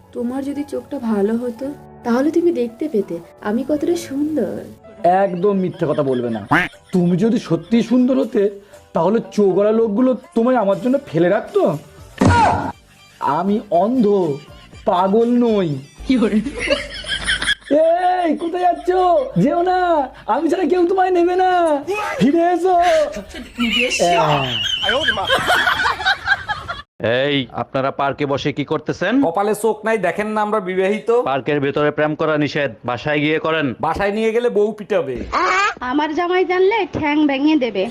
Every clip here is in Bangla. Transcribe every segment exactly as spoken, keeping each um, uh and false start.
তোমার যদি চোখটা ভালো হতো তাহলে তুমি দেখতে পেতে আমি কতটা সুন্দর। একদম মিথ্যে কথা বলবে না। তুমি যদি সত্যি সুন্দর হতে তাহলে চোগড়া লোকগুলো তোমায় আমার জন্য ফেলে রাখতো। আমি অন্ধ, পাগল নই। এই কোথায় যাচ্ছ? যেও না, আমি ছাড়া কেউ তোমায় নেবে না। ফিরে এসো। এই আপনারা পার্কে বসে কি করতেছেন? কপালে চোখ নাই দেখেন না আমরা বিবাহিত? পার্কের ভেতরে প্রেম করা নিষেধ, বাসায় গিয়ে করেন। বাসায় নিয়ে গেলে বউ পিটাবে। আমার জামাই জানলে ঠ্যাং ভেঙে দেবে।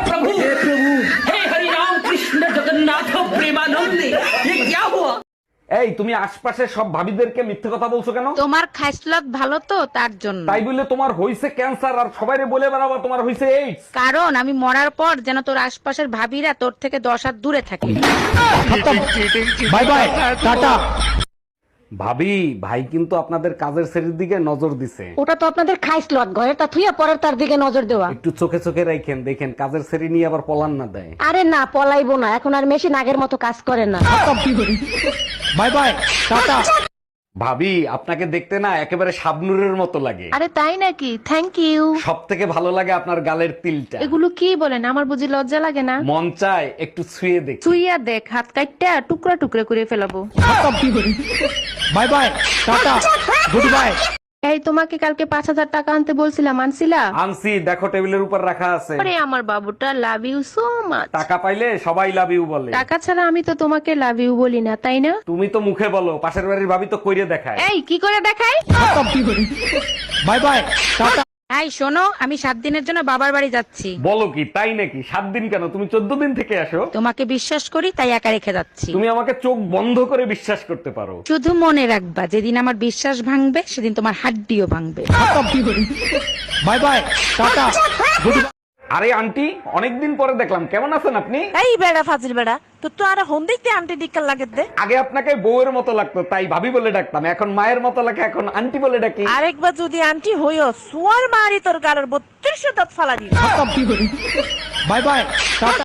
এই তুমি আশপাশের সব ভাবিদেরকে মিথ্যে কথা বলছো কেন? তোমার খাইসলত ভালো তো তার জন্য। তাই বলে তোমার হইছে ক্যান্সার আর সবাইরে বলে বেড়াবা তোমার হইছে এইডস? কারণ আমি মরার পর যেন তোর আশপাশের ভাবিরা তোর থেকে দশ হাত দূরে থাকে। Bye bye, tata. ভাবি, ভাই কিন্তু আপনাদের কাজের শ্রেণীর দিকে নজর দিছে। ওটা তো আপনাদের খাইসলত, ঘরেরটা থুইয়া পরের তার দিকে নজর দেওয়া। একটু চোখে চোখে রাখেন, দেখেন কাজের শ্রেণী নিয়ে আবার পলান না দেয়। আরে না, পলাইবো না, এখন আর মেশিন আগের মতো কাজ করে না। Bye bye, tata. ভাবি, আপনাকে দেখতে না একেবারে শাবনুরের মতো লাগে। আরে তাই নাকি? Thank you. সব থেকে ভালো লাগে আপনার গালের তিলটা। এগুলো কি বলেন? আমার বুঝি লজ্জা লাগে না? মন চায় একটু ছুঁয়ে দেখ। চুইয়া দেখ, হাত কাটটা টুকরা টুকরা করে ফেলাবো। Bye bye, tata, good bye. এই তোমাকে কালকে পাঁচ হাজার টাকা আনতে বলছিলাম, আনছিলা? আনছি, দেখো টেবিলের উপর রাখা আছে। আরে আমার বাবুটা, লাভ ইউ সো মাচ। টাকা পাইলে সবাই লাভ ইউ বলে। টাকা ছাড়া আমি তো তোমাকে লাভ ইউ বলি না, তাই না? তুমি তো মুখে বলো, পাশের বাড়ির ভাবি তো কইরে দেখায়। এই কি করে দেখাই? Bye bye, tata. এই শোনো, আমি সাত দিনের জন্য বাবার বাড়ি যাচ্ছি। বলো কি, তাই নাকি? সাত দিন কেন, তুমি চোদ্দ দিন থেকে আসো। তোমাকে বিশ্বাস করি তাই একা রেখে যাচ্ছি। তুমি আমাকে চোখ বন্ধ করে বিশ্বাস করতে পারো। শুধু মনে রাখবা, যেদিন আমার বিশ্বাস ভাঙবে সেদিন তোমার হাড্ডিও ভাঙবে। Bye bye, tata, good bye. আরে আন্টি, অনেকদিন পরে দেখলাম, কেমন আছেন আপনি? এই বেড়া ফাজিল বেড়া, তোর তো আর হন দেখতে আন্টি ডিক্কার লাগে দে। আগে আপনাকে বউয়ের মতো লাগতো তাই ভাবি বলে ডাকতাম, এখন মায়ের মতো লাগে এখন আন্টি বলে ডাকি। আরেকবার যদি আন্টি হইও সুয়ার মারি তোর গালের বত্রিশ দাঁত ফালা দিই। Bye bye, tata.